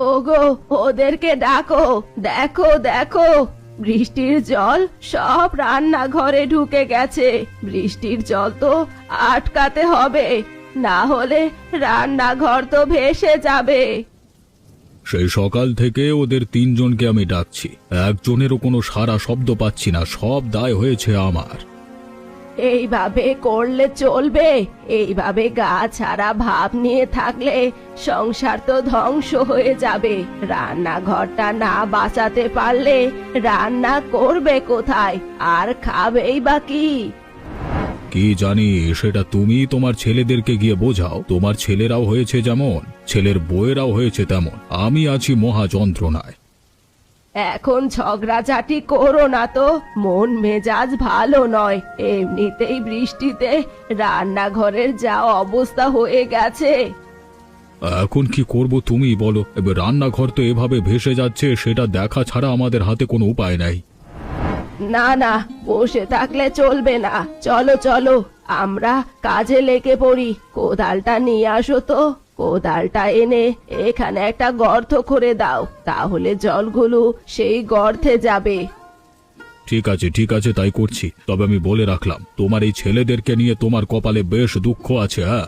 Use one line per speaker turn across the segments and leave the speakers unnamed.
ওগো, ওদেরকে ডাকো। দেখো দেখো, বৃষ্টির জল সব রান্নাঘরে ঢুকে গেছে। বৃষ্টির জল তো আটকাতে হবে, না হলে রান্নাঘর তো ভেসে যাবে।
সেই সকাল থেকে ওদের তিনজনকে আমি ডাকছি, একজনেরও কোনো সারা শব্দ পাচ্ছি না। সব দায় হয়েছে আমার।
এইভাবে করলে চলবে? এইভাবে গা ছাড়া ভাব নিয়ে থাকলে সংসার তো ধ্বংস হয়ে যাবে। রান্নাঘরটা না বাঁচাতে পারলে রান্না করবে কোথায়, আর খাবেই বা কি?
কি জানি, সেটা তুমি তোমার ছেলেদেরকে গিয়ে বোঝাও। তোমার ছেলেরাও হয়েছে যেমন, ছেলের বউয়েরাও হয়েছে তেমন। আমি আছি মহা যন্ত্রণায়।
এখন ঝগড়াঝাটি করো না তো, মন মেজাজ ভালো নয়। এমনিতেই বৃষ্টিতে রান্নাঘরের যা অবস্থা হয়ে গেছে।
এখন কি করব তুমি বলো? এবার রান্নাঘর তো এভাবে ভেসে যাচ্ছে, সেটা দেখা ছাড়া আমাদের হাতে কোনো উপায় নাই।
না না, বসে থাকলে চলবে না। চলো চলো, আমরা কাজে লেগে পড়ি। কোদালটা নিয়ে আসো তো। কোদালটা এনে এখানে একটা গর্ত করে দাও, তাহলে জলগুলো সেই গর্তে যাবে।
ঠিক আছে ঠিক আছে, তাই করছি। তবে আমি বলে রাখলাম, তোমার এই ছেলেদেরকে নিয়ে তোমার কপালে বেশ দুঃখ আছে। হ্যাঁ,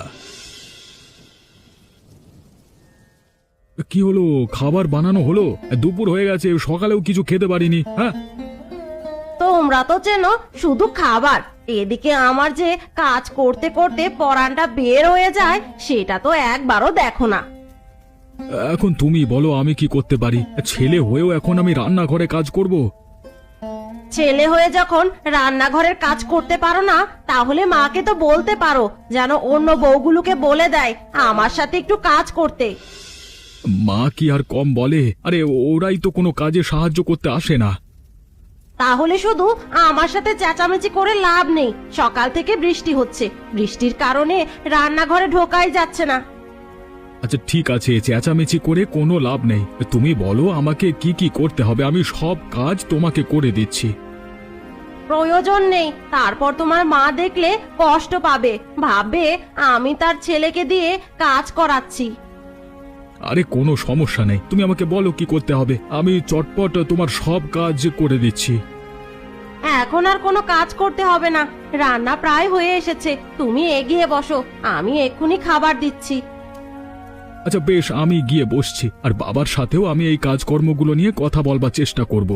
কি হলো? খাবার বানানো হলো? দুপুর হয়ে গেছে, সকালেও কিছু খেতে পারিনি। হ্যাঁ,
তোমরা তো চেনো শুধু খাবার, এদিকে আমার যে কাজ করতে করতে পরানটা বের হয়ে যায় সেটা তো একবারও দেখো না।
এখন তুমি বলো আমি কি করতে পারি? ছেলে হয়েও এখন আমি রান্নাঘরে কাজ করব?
ছেলে হয়ে যখন রান্নাঘরের কাজ করতে পারো না, তাহলে মাকে তো বলতে পারো যেন অন্য বউগুলোকে বলে দেয় আমার সাথে একটু কাজ করতে।
মা কি আর কম বলে? আরে ওরাই তো কোনো কাজে সাহায্য করতে আসে না।
তাহলে শুধু আমার সাথে চেঁচামেচি করে লাভ নেই। সকাল থেকে বৃষ্টি হচ্ছে, বৃষ্টির কারণে রান্নাঘরে ঢোকাই যাচ্ছে না।
আচ্ছা ঠিক আছে, চেঁচামেচি করে কোনো লাভ নেই। তুমি বলো আমাকে কি কি করতে হবে, আমি সব কাজ তোমাকে করে দিচ্ছি।
প্রয়োজন নেই, তারপর তোমার মা দেখলে কষ্ট পাবে, ভাববে আমি তার ছেলেকে দিয়ে কাজ করাচ্ছি।
আরে কোনো সমস্যা নেই, তুমি আমাকে বলো কি করতে হবে, আমি চটপট তোমার সব কাজ করে দিচ্ছি।
এখন আর কোনো কাজ করতে হবে না, রান্না প্রায় হয়ে এসেছে। তুমি এগিয়ে বসো, আমি এক্ষুনি খাবার দিচ্ছি।
আচ্ছা বেশ, আমি গিয়ে বসছি। আর বাবার সাথেও আমি এই কাজকর্মগুলো নিয়ে কথা বলবার চেষ্টা করব।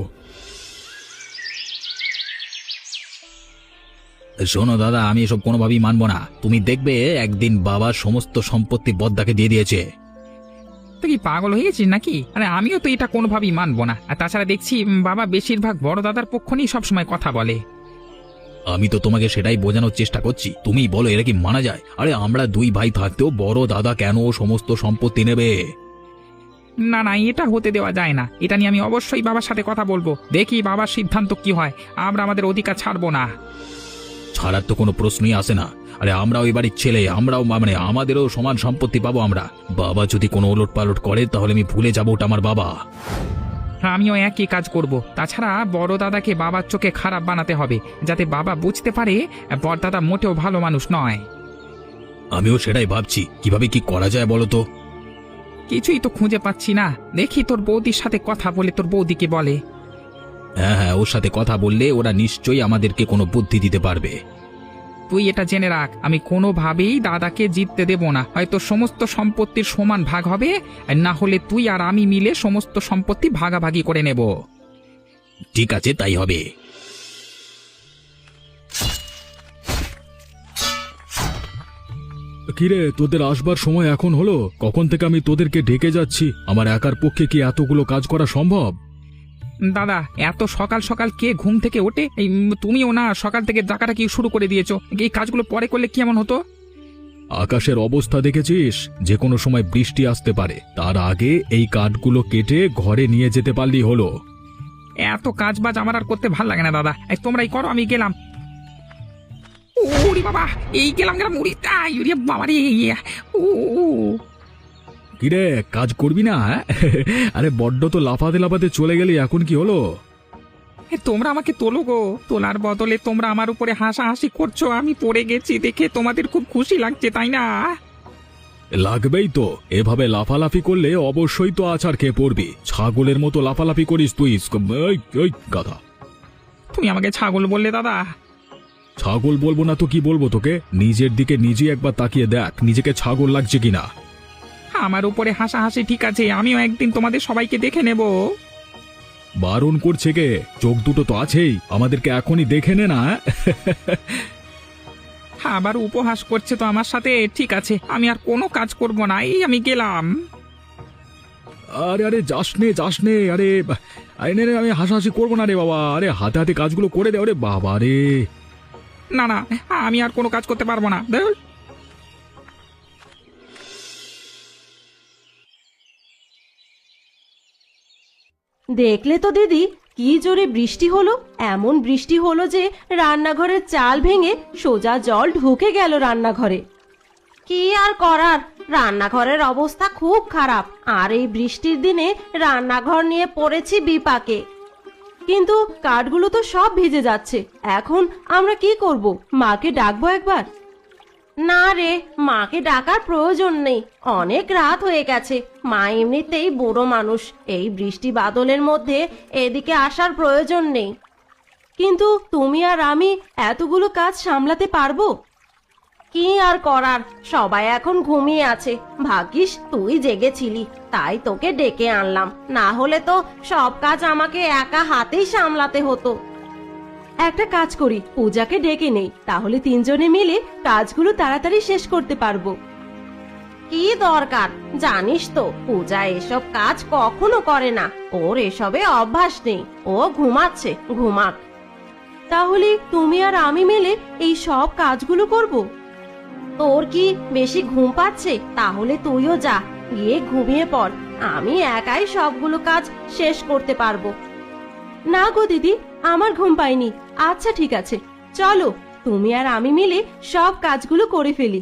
শোনো দাদা, আমি এসব কোনোভাবেই মানব না। তুমি দেখবে একদিন বাবার সমস্ত সম্পত্তি বদ্দাকে দিয়ে দিয়েছে।
তুই কি পাগল হয়ে গেছিস নাকি? আরে আমিও তো এটা কোনোভাবেই মানবো না। আর তাছাড়া দেখছি বাবা বেশিরভাগ বড় দাদার পক্ষ নিয়ে সবসময় কথা বলে।
আমি তো তোমাকে সেটাই বোঝানোর চেষ্টা করছি, তুমি বলো এরা কি মানা যায়? আরে আমরা দুই ভাই থাকতেও বড় দাদা কেন সমস্ত সম্পত্তি নেবে?
না না, এটা হতে দেওয়া যায় না। এটা নিয়ে আমি অবশ্যই বাবার সাথে কথা বলবো, দেখি বাবার সিদ্ধান্ত কি হয়। আমরা আমাদের অধিকার ছাড়বো না।
ছাড়ার তো কোনো প্রশ্নই আসে না। আরে আমরাও ওই বাড়ির ছেলে, আমরাও মানে আমাদেরও সমান সম্পত্তি পাবো আমরা। বাবা যদি কোনো ওলট পালট করে তাহলে আমি ভুলে যাবো ওটা আমার বাবা।
আমিও একই কাজ করব। তাছাড়া বড় দাদাকে বাবার চোখে খারাপ বানাতে হবে, যাতে বাবা বুঝতে পারে বড় দাদা মোটেও ভালো মানুষ নয়।
আমিও সেটাই ভাবছি, কিভাবে কি করা যায় বলো তো।
কিছুই তো খুঁজে পাচ্ছি না। দেখি তোর বৌদির সাথে কথা বলে তোর বৌদিকে বলে।
হ্যাঁ হ্যাঁ, ওর সাথে কথা বললে ওরা নিশ্চয়ই আমাদেরকে কোনো বুদ্ধি দিতে পারবে।
তুই এটা জেনে রাখ, আমি কোনোভাবেই দাদাকে জিততে দেব না। হয়তো সমস্ত সম্পত্তির সমান ভাগ হবে, আর না হলে তুই আর আমি মিলে সমস্ত সম্পত্তি ভাগাভাগি করে নেব।
ঠিক আছে, তাই হবে।
কিরে, তোদের আসবার সময় এখন হলো? কখন থেকে আমি তোদেরকে ডেকে যাচ্ছি। আমার একার পক্ষে কি এতগুলো কাজ করা সম্ভব?
দাদা, এত সকাল সকাল কে ঘুম থেকে ওঠে? তুমিও না সকাল থেকে ডাকাটা কি শুরু করে দিয়েছো? এই কাজগুলো পরে করলে কি এমন হতো?
আকাশের অবস্থা দেখেছিস? যে কোনো সময় বৃষ্টি আসতে পারে, তার আগে এই কাঠগুলো কেটে ঘরে নিয়ে যেতে পারলেই হলো।
এত কাজ বাজ আমার আর করতে ভাল লাগে না দাদা। তোমরাই করো, আমি গেলাম। ওরে বাবা, এই গেলাম উড়ি বাবা রে।
কিরে, কাজ করবি না? আরে বড্ড তো লাফাতে লাফাতে চলে গেলি, এখন কি হলো?
তোমরা আমাকে তোলো গো। তোলার বদলে তোমরা আমার উপরে হাসাহাসি করছো। আমি পড়ে গেছি দেখে তোমাদের খুব খুশি লাগছে, তাই না?
লাগবেই তো, এভাবে লাফালাফি করলে অবশ্যই তো আছাড় খেয়ে পড়বি। ছাগলের মতো লাফালাফি করিস তুই। এই গাধা!
তুমি আমাকে ছাগল বললে দাদা?
ছাগল বলবো না তো কি বলবো তোকে? নিজের দিকে নিজে একবার তাকিয়ে দেখ, নিজেকে ছাগল লাগছে কিনা।
আমার উপরে হাসাহাসি ঠিক আছে, আমিও একদিন তোমাদের সবাইকে দেখে নেব।
বারণ করছে কে? চোখ দুটো তো আছেই, আমাদেরকে এখনই দেখে নে না।
আবার উপহাস করছে তো আমার সাথে। ঠিক আছে, আমি আর কোনো কাজ করব না, এই আমি গেলাম।
আরে আরে যাস নে, আরে আরে নে, আমি হাসাহাসি করবো না রে বাবা। আরে হাতে হাতে কাজগুলো করে দে। আরে বাবা রে!
না না, আমি আর কোনো কাজ করতে পারবো না। ধুর।
দেখলে তো দিদি, কি জোরে বৃষ্টি হলো। এমন বৃষ্টি হলো যে রান্নাঘরের চাল ভেঙে সোজা জল ঢুকে গেল রান্নাঘরে।
কি আর করার, রান্নাঘরের অবস্থা খুব খারাপ। আর এই বৃষ্টির দিনে রান্নাঘর নিয়ে পড়েছি বিপাকে।
কিন্তু কাঠগুলো তো সব ভিজে যাচ্ছে। এখন আমরা কি করব? মাকে ডাকবো একবার?
না রে, মাকে ডাকার প্রয়োজন নেই, অনেক রাত হয়ে গেছে। মা এমনিতেই বুড়ো মানুষ, এই বৃষ্টি বাদলের মধ্যে এদিকে আসার প্রয়োজন নেই।
কিন্তু তুমি আর আমি এতগুলো কাজ সামলাতে পারবো?
কি আর করার, সবাই এখন ঘুমিয়ে আছে। ভাগ্যিস তুই জেগেছিলি, তাই তোকে ডেকে আনলাম। না হলে তো সব কাজ আমাকে একা হাতেই সামলাতে হতো।
একটা কাজ করি, পূজাকে ডেকে নেই, তাহলে তিনজনে মিলে কাজগুলো তাড়াতাড়ি শেষ করতে পারবো।
কি দরকার? জানিস তো পূজা এসব কাজ কখনো করে না, ওর এসবে অভ্যাস নেই। ও ঘুমাচ্ছে, ঘুমাক।
তাহলে তুমি আর আমি মিলে এই সব কাজগুলো করব।
তোর কি বেশি ঘুম পাচ্ছে? তাহলে তুইও যা, গিয়ে ঘুমিয়ে পড়। আমি একাই সবগুলো কাজ শেষ করতে পারবো।
না গো দিদি, আমার ঘুম পাইনি। আচ্ছা ঠিক আছে, চলো তুমি আর আমি মিলে সব কাজগুলো করে ফেলি।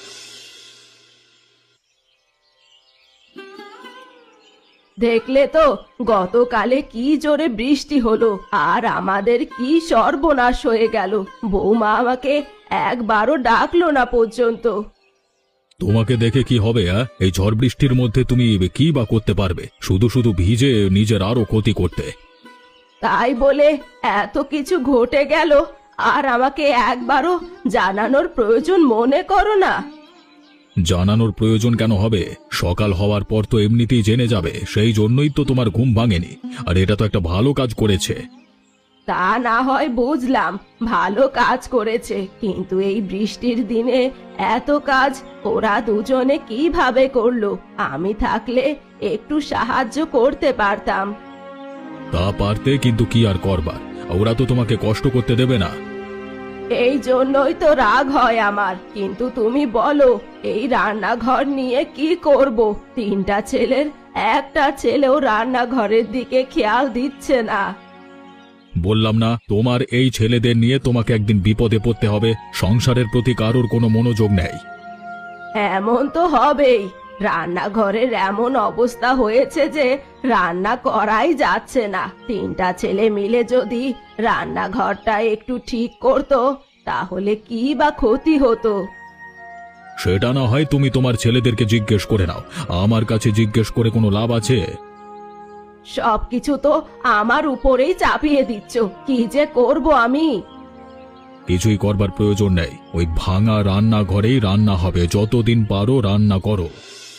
দেখলে তো গতকালে কি জোরে বৃষ্টি হলো, আর আমাদের কি সর্বনাশ হয়ে গেল। বৌমা আমাকে একবারও ডাকলো না পর্যন্ত।
তোমাকে দেখে কি হবে? এই ঝড় বৃষ্টির মধ্যে তুমি কি বা করতে পারবে? শুধু শুধু ভিজে নিজের আরো ক্ষতি করতে।
তাই বলে এত কিছু ঘটে গেল আর আমাকে একবারও জানানোর প্রয়োজন মনে করো না?
জানানোর প্রয়োজন কেন হবে? সকাল হওয়ার পর তো এমনিতেই জেনে যাবে, সেই জন্যই তো তোমার ঘুম ভাঙেনি। আর এটা তো একটা ভালো কাজ করেছে।
তা না হয় বুঝলাম, ভালো কাজ করেছে, কিন্তু এই বৃষ্টির দিনে এত কাজ ওরা দুজনে কিভাবে করলো? আমি থাকলে একটু সাহায্য করতে পারতাম।
তা পারতে, কিন্তু কি আর করবার, ওরা তো তোমাকে কষ্ট করতে দেবে না।
এই জন্যই তো রাগ হয় আমার। কিন্তু তুমি বলো, এই রান্নাঘর নিয়ে কি করব? তিনটা ছেলের একটা ছেলেও রান্নাঘরের দিকে খেয়াল দিচ্ছে না।
বললাম না, তোমার এই ছেলেদের নিয়ে তোমাকে একদিন বিপদে পড়তে হবে। সংসারের প্রতি কারোর কোনো মনোযোগ নেই।
এমন তো হবেই, রান্নাঘরের এমন অবস্থা হয়েছে যে রান্না করাই যাচ্ছে না। তিনটা ছেলে মিলে যদি রান্নাঘরটা একটু ঠিক করতো, তাহলে কি বা ক্ষতি হতো?
সেটা না হয় তুমি তোমার ছেলেদেরকে জিজ্ঞেস করে নাও, আমার কাছে জিজ্ঞেস করে কোনো লাভ আছে?
সবকিছু তো আমার উপরেই চাপিয়ে দিচ্ছ, কি যে করব আমি?
কিছুই করবার প্রয়োজন নেই, ওই ভাঙা রান্নাঘরেই রান্না হবে। যতদিন পারো রান্না করো।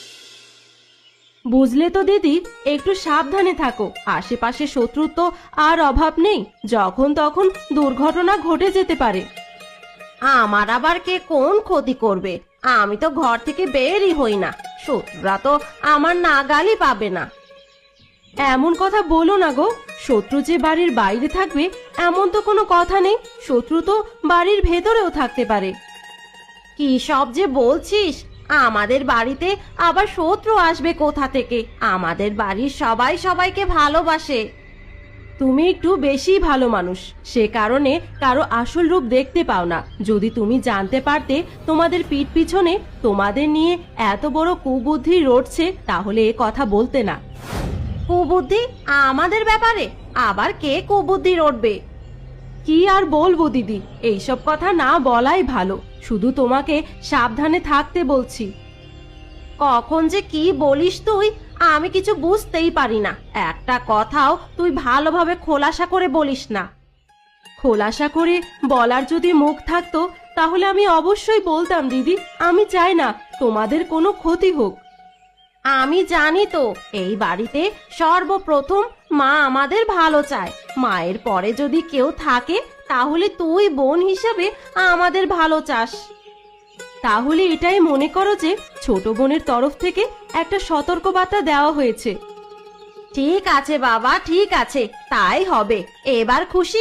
বুঝলে তো দিদি, একটু সাবধানে থাকো। আশেপাশে শত্রুর তো আর অভাব নেই, যখন তখন দুর্ঘটনা ঘটে যেতে পারে।
আমার আবার কে কোন ক্ষতি করবে? আমি তো ঘর থেকে বেরই হই না, শত্রুরা তো আমার নাগালই পাবে না।
এমন কথা বলো না গো, শত্রু যে বাড়ির বাইরে থাকবে এমন তো কোনো কথা নেই। শত্রু তো বাড়ির ভেতরেও থাকতে পারে।
কি সব যে বলছিস? আমাদের বাড়িতে আবার শত্রু আসবে কোথা থেকে? আমাদের বাড়ির সবাই সবাইকে ভালোবাসে।
তুমি একটু বেশি ভালো মানুষ, সে কারণে কারো আসল রূপ দেখতে পাও না। যদি তুমি জানতে পারতে তোমাদের পিঠ পিছনে তোমাদের নিয়ে এত বড় কুবুদ্ধি রটছে, তাহলে এ কথা বলতে না।
কুবুদ্ধি আমাদের ব্যাপারে? আবার কে কুবুদ্ধি রটবে?
কি আর বলবো দিদি, এইসব কথা না বলাই ভালো। শুধু তোমাকে সাবধানে থাকতে বলছি।
কখন যে কি বলিস তুই, আমি কিছু বুঝতেই পারি না। একটা কথাও তুই ভালোভাবে খোলাসা করে বলিস না।
খোলাসা করে বলার যদি মুখ থাকতো তাহলে আমি অবশ্যই বলতাম দিদি। আমি চাই না তোমাদের কোনো ক্ষতি হোক।
আমি জানি তো, এই বাড়িতে সর্বপ্রথম মা আমাদের ভালো চায়। মায়ের পরে যদি কেউ থাকে তাহলে তুই বোন হিসেবে আমাদের ভালো চাস।
তাহলে এটাই মনে করো যে ছোট বোনের তরফ থেকে একটা সতর্কবার্তা দেওয়া হয়েছে।
ঠিক আছে বাবা, ঠিক আছে, তাই হবে। এবার খুশি?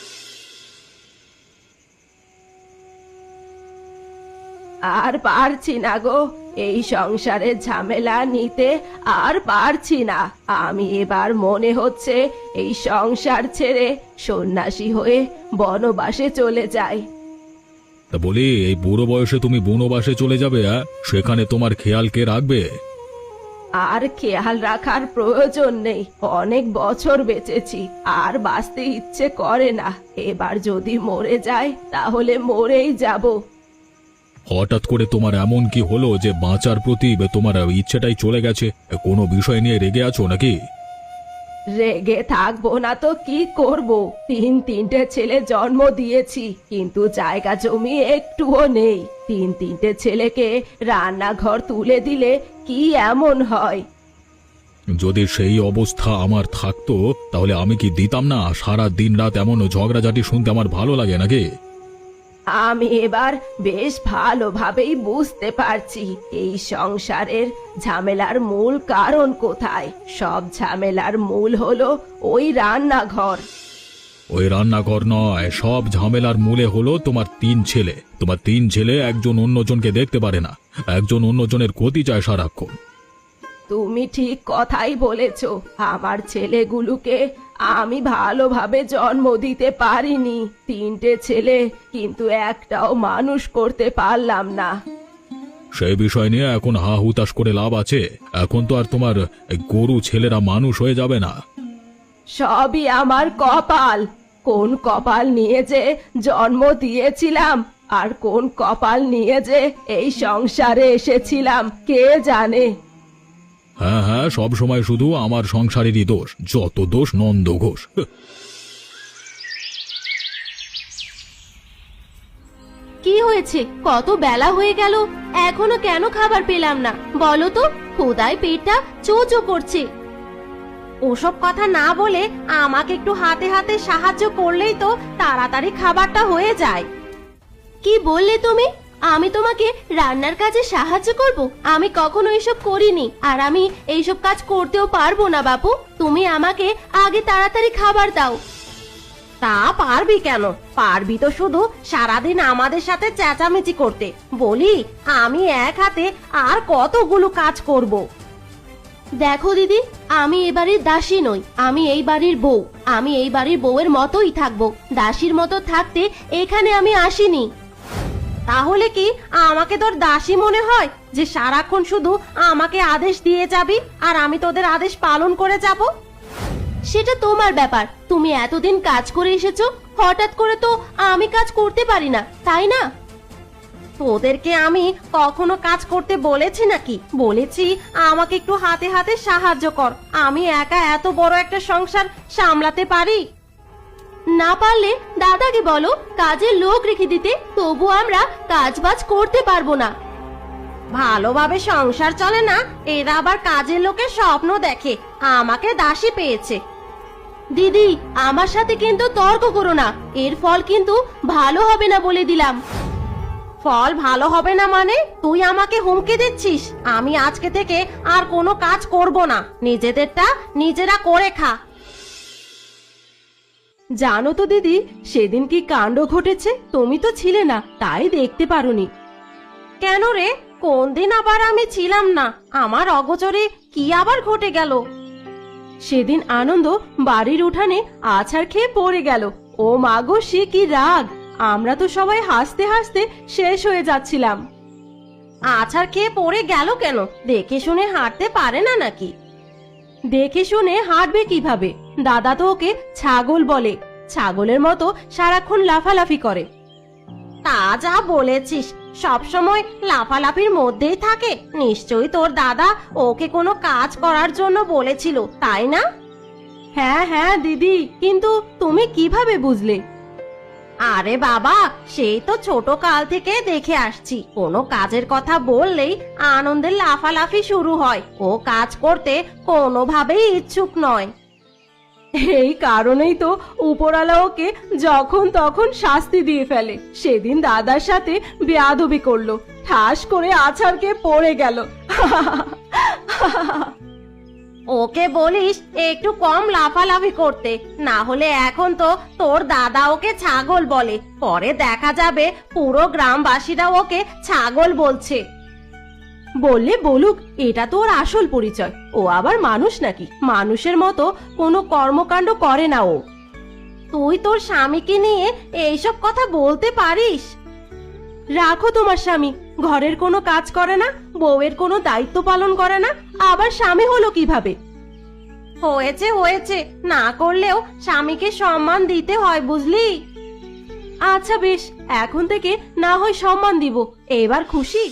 আর পারছি না গো, এই সংসারের ঝামেলা নিতে আর পারছি না। আমি এবার মনে হচ্ছে এই সংসার ছেড়ে সন্ন্যাসী হয়ে বনবাসে চলে যাই।
তা বলি, এই বুড়ো বয়সে তুমি বনবাসে চলে যাবে? সেখানে তোমার খেয়াল কে রাখবে?
আর খেয়াল রাখার প্রয়োজন নেই, অনেক বছর বেঁচেছি, আর বাঁচতে ইচ্ছে করে না। এবার যদি মরে যাই তাহলে মরেই যাব।
হঠাৎ করে তোমার এমন কি হলো যে বাঁচার প্রতি তোমার ইচ্ছেটাই চলে গেছে? কোনো বিষয় নিয়ে রেগে আছো নাকি?
রেগে থাকবো না তো কি করব? তিনটে ছেলে জন্ম দিয়েছি, কিন্তু জায়গা জমি একটুও নেই। তিনটে ছেলেকে রান্নাঘর তুলে দিলে কি এমন হয়?
যদি সেই অবস্থা আমার থাকতো তাহলে আমি কি দিতাম না? সারা দিন রাত এমন ঝগড়াঝাটি শুনতে আমার ভালো লাগে নাকি?
আমি এবার বেশ ভালোভাবেই বুঝতে পারছি এই সংসারের ঝামেলার মূল কারণ কোথায়। সব ঝামেলার মূল হলো ওই রান্নাঘর।
ওই রান্নাঘর নয়, সব ঝামেলার মূলে হলো তোমার তিন ছেলে। তোমার তিন ছেলে একজন অন্যজনকে দেখতে পারে না, একজন অন্যজনের ক্ষতি চায় সারাক্ষণ।
তুমি ঠিক কথাই বলেছ। আমার ছেলেগুলোকে আমি ভালোভাবে জন্ম দিতে পারিনি। তিনটে ছেলে, কিন্তু একটাও মানুষ করতে পারলাম না।
সেই বিষয় নিয়ে এখন হা হুতাশ করে লাভ আছে? এখন তো আর তোমার গরু ছেলেরা মানুষ হয়ে যাবে না।
সবই আমার কপাল। কোন কপাল নিয়ে যে জন্ম দিয়েছিলাম আর কোন কপাল নিয়ে যে এই সংসারে এসেছিলাম কে জানে।
হ্যাঁ হ্যাঁ, সব সময় শুধু আমার সংসারেরই দোষ, যত দোষ নন্দ ঘোষ।
কি হয়েছে? কত বেলা হয়ে গেল, এখনো কেন খাবার পেলাম না? বলো তো, ক্ষুধায় পেটটা চোচো করছে। ওসব কথা না বলে আমাকে একটু হাতে হাতে সাহায্য করলেই তো তাড়াতাড়ি খাবারটা হয়ে যায়। কি বললে তুমি? আমি তোমাকে রান্নার কাজে সাহায্য করব? আমি কখনো এসব করিনি, আর আমি এইসব কাজ করতেও পারবো না বাপু। তুমি আমাকে আগে তাড়াতাড়ি খাবার দাও। তা পারবি কেন? পারবি তো শুধু সারাদিন আমাদের সাথে চেঁচামেচি করতে। বলি, আমি এক হাতে আর কতগুলো কাজ করব। দেখো দিদি, আমি এ বাড়ির দাসী নই, আমি এই বাড়ির বউ। আমি এই বাড়ির বউয়ের মতোই থাকবো, দাসীর মতো থাকতে এখানে আমি আসিনি। তাহলে কি আমাকে তোর দাসী মনে হয় যে সারাক্ষণ শুধু আমাকে আদেশ দিয়ে যাবি আর আমি তোদের আদেশ পালন করে যাব? সেটা তোমার ব্যাপার। তুমি এতদিন কাজ করে এসেছো, হঠাৎ করে তো আমি কাজ করতে পারি না, তাই না? তোদেরকে আমি কখনো কাজ করতে বলেছি নাকি? বলেছি আমাকে একটু হাতে হাতে সাহায্য কর। আমি একা এত বড় একটা সংসার সামলাতে পারি? না পারলে দাদাকে বলো কাজের লোক রেখে দিতে, তবু আমরা কাজবাজ করতে পারবো না। ভালোভাবে সংসার চলে না, এরা আবার কাজের লোকের স্বপ্ন দেখে আমাকে দাসী পেয়েছে। দিদি, আমার সাথে কিন্তু তর্ক করো না, এর ফল কিন্তু ভালো হবে না বলে দিলাম। ফল ভালো হবে না মানে? তুই আমাকে হুমকি দিচ্ছিস? আমি আজকে থেকে আর কোনো কাজ করব না, নিজেদেরটা নিজেরা করে খা।
জানো তো দিদি, সেদিন কি কাণ্ড ঘটেছে? তুমি তো ছিলে না, তাই দেখতে পারোনি।
কেন রে? কোন দিন আবার আমি ছিলাম না? আমার অগোচরে কি আবার ঘটে গেল?
সেদিন আনন্দ বাড়ির উঠানে আছাড় খেয়ে পড়ে গেল। ও মাগো, সে কি রাগ! আমরা তো সবাই হাসতে হাসতে শেষ হয়ে যাচ্ছিলাম।
আছাড় খেয়ে পড়ে গেল কেন? দেখে শুনে হাঁটতে পারে না নাকি?
দেখে শুনে হাঁটবে কিভাবে? দাদা তো ওকে ছাগল বলে। ছাগলের মতো সারাক্ষণ লাফালাফি করে।
তা যা বলেছিস, সব সময় লাফালাফির মধ্যেই থাকে? নিশ্চয়ই তোর দাদা ওকে কোনো কাজ করার জন্য বলেছিল, তাই না?
হ্যাঁ হ্যাঁ দিদি, কিন্তু তুমি কিভাবে বুঝলে?
আরে বাবা, সেই তো ছোট কাল থেকে দেখে আসছি, কোনো কাজের কথা বললেই আনন্দের লাফালাফি শুরু হয়। ও কাজ করতে কোনোভাবেই ইচ্ছুক নয়।
এই কারণেই তো উপরওয়ালা ওকে যখন তখন শাস্তি দিয়ে ফেলে। সেদিন দাদার সাথে বেয়াদবি করলো, ঠাস করে আছাড়কে পড়ে গেল।
ওকে বলিস একটু কম লাফালাফি করতে, না হলে এখন তো তোর দাদা ওকে ছাগল বলে, পরে দেখা যাবে পুরো গ্রামবাসীরা ওকে ছাগল বলছে।
বললে বলুক, এটা তো ওর আসল পরিচয়। ও আবার মানুষ নাকি? মানুষের মতো কোনো কর্মকাণ্ড করে না ও।
তুই তোর স্বামীকে নিয়ে এইসব কথা বলতে পারিস?
রাখো তোমার স্বামী, ঘরের কোনো কাজ করে না, বউয়ের কোনো দায়িত্ব পালন করে না, আবার স্বামী হলো কিভাবে?
হয়েছে হয়েছে, না করলেও স্বামীকে সম্মান দিতে হয়, বুঝলি?
আচ্ছা বেশ, এখন থেকে না হয় সম্মান দিব। এবার খুশি?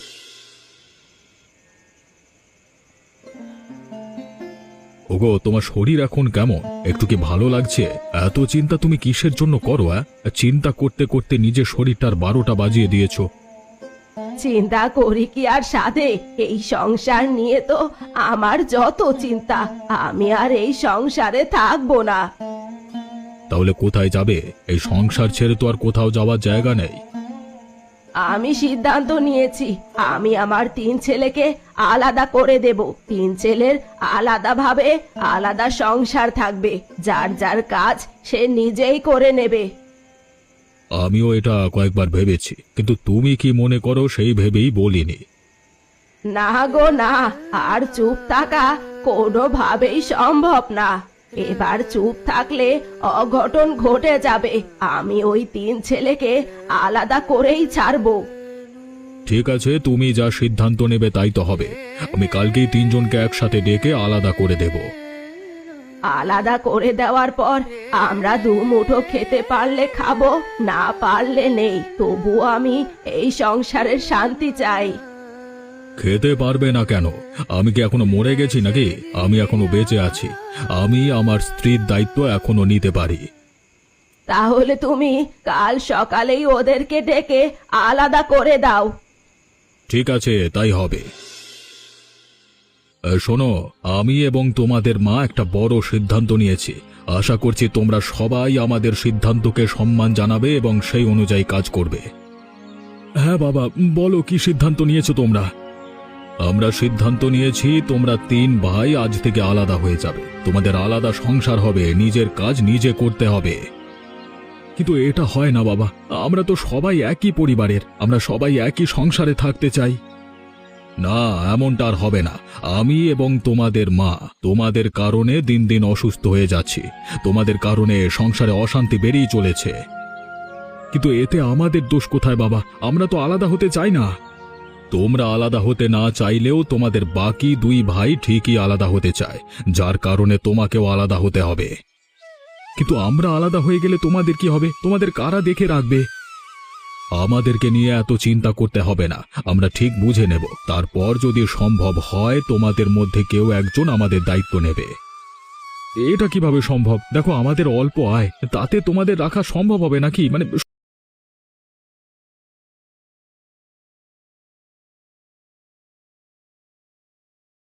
ওগো, তোমার শরীর এখন কেমন? একটু কি ভালো লাগছে? এত চিন্তা তুমি কিসের জন্য করো? চিন্তা করতে করতে নিজের শরীরটার 12টা বাজিয়ে দিয়েছো।
চিন্তা করি কি আর সাধে? এই সংসার নিয়ে তো আমার যত চিন্তা। আমি আর এই সংসারে থাকবো না।
তাহলে কোথায় যাবে? এই সংসার ছেড়ে তো আর কোথাও যাওয়ার জায়গা নেই।
আমি সিদ্ধান্ত নিয়েছি, আমি আমার 3 ছেলেকে আলাদা করে দেব। 3 ছেলের আলাদাভাবে আলাদা সংসার থাকবে। যার যার কাজ সে নিজেই করে নেবে।
আমিও এটা কয়েকবার ভেবেছি, কিন্তু তুমি কি মনে করো সেই ভেবেই বলিনি।
না গো না, আর চুপ থাকা কোনোভাবেই সম্ভব না। এবার চুপ থাকলে অঘটন ঘটে যাবে। আমি ওই 3 ছেলেকে আলাদা করেই ছাড়বো।
ঠিক আছে, তুমি যা সিদ্ধান্ত নেবে তাই তো হবে। আমি কালকেই 3 জনকে একসাথে ডেকে আলাদা করে দেব।
আলাদা করে দেওয়ার পর আমরা 2 মুঠো খেতে পারলে খাবো, না পারলে নেই। তবু আমি এই সংসারের শান্তি চাই।
খেতে পারবে না কেন? আমি কি এখনো মরে গেছি নাকি? আমি এখনো বেঁচে আছি। আমি আমার স্ত্রীর দায়িত্ব এখনো নিতে পারি।
তাহলে তুমি কাল সকালেই ওদেরকে ডেকে আলাদা করে দাও।
ঠিক আছে, তাই হবে। শোনো, আমি এবং তোমাদের মা একটা বড় সিদ্ধান্ত নিয়েছি। আশা করছি তোমরা সবাই আমাদের সিদ্ধান্তকে সম্মান জানাবে এবং সেই অনুযায়ী কাজ করবে। হ্যাঁ বাবা, বলো কি সিদ্ধান্ত নিয়েছো তোমরা? আমরা সিদ্ধান্ত নিয়েছি তোমরা 3 ভাই আজ থেকে আলাদা হয়ে যাবে। তোমাদের আলাদা সংসার হবে, নিজের কাজ নিজে করতে হবে। কিন্তু এটা হয় না বাবা, আমরা তো সবাই একই পরিবারের, আমরা সবাই একই সংসারে থাকতে চাই। না, এমনটা আর হবে না। আমি এবং তোমাদের মা তোমাদের কারণে দিন দিন অসুস্থ হয়ে যাচ্ছি। তোমাদের কারণে সংসারে অশান্তি বেড়েই চলেছে। কিন্তু এতে আমাদের দোষ কোথায় বাবা? আমরা তো আলাদা হতে চাই না। তোমরা আলাদা হতে না চাইলেও তোমাদের বাকি 2 ভাই ঠিকই আলাদা হতে চায়, যার কারণে তোমাকেও আলাদা হতে হবে। কিন্তু আমরা আলাদা হয়ে গেলে তোমাদের কি হবে? তোমাদের কারা দেখে রাখবে? আমাদেরকে নিয়ে এত চিন্তা করতে হবে না, আমরা ঠিক বুঝে নেব। তারপর যদি সম্ভব হয় তোমাদের মধ্যে কেউ একজন আমাদের দায়িত্ব নেবে। এটা কিভাবে সম্ভব? দেখো, আমাদের অল্প আয়, তাতে তোমাদের রাখা সম্ভব হবে নাকি?